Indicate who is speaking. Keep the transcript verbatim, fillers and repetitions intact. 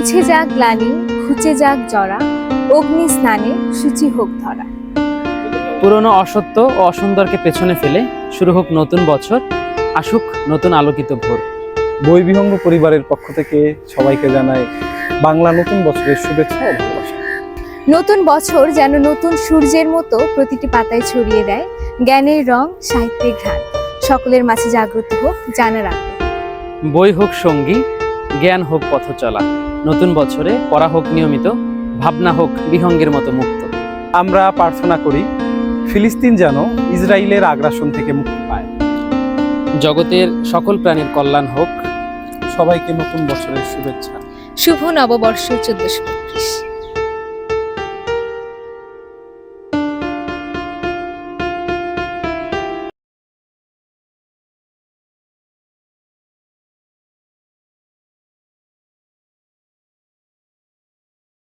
Speaker 1: মুছে যাক গ্লানি, ঘুচে যাক জরা, অগ্নি স্নানে সূচি হোক ধরা।
Speaker 2: পুরনো অসত্য ও অসুন্দরকে পেছনে ফেলে শুরু হোক নতুন বছর, আসুক নতুন আলোকিত ভোর।
Speaker 3: বই বিহঙ্গ পরিবারের পক্ষ থেকে সবাইকে জানাই বাংলা নতুন বছরের শুভেচ্ছা ও ভালোবাসা।
Speaker 1: নতুন বছর যেন নতুন সূর্যের মতো প্রতিটি পাতায় ছড়িয়ে দেয় জ্ঞানের রং, সাহিত্যের ঘ্রাণ। সকলের মাঝে জাগ্রত হোক জানার আগ্রহ।
Speaker 2: বই হোক সঙ্গী, জ্ঞান হোক পথ চলা। নতুন বছরে পড়া হোক নিয়মিত, ভাবনা হোক বিহঙ্গের মতো মুক্ত।
Speaker 3: আমরা প্রার্থনা করি ফিলিস্তিন যেন ইসরায়েলের আগ্রাসন থেকে মুক্তি পায়।
Speaker 2: জগতের সকল প্রাণীর কল্যাণ হোক।
Speaker 3: সবাইকে নতুন বছরের শুভেচ্ছা।
Speaker 1: শুভ নববর্ষ চোদ্দশো বত্রিশ।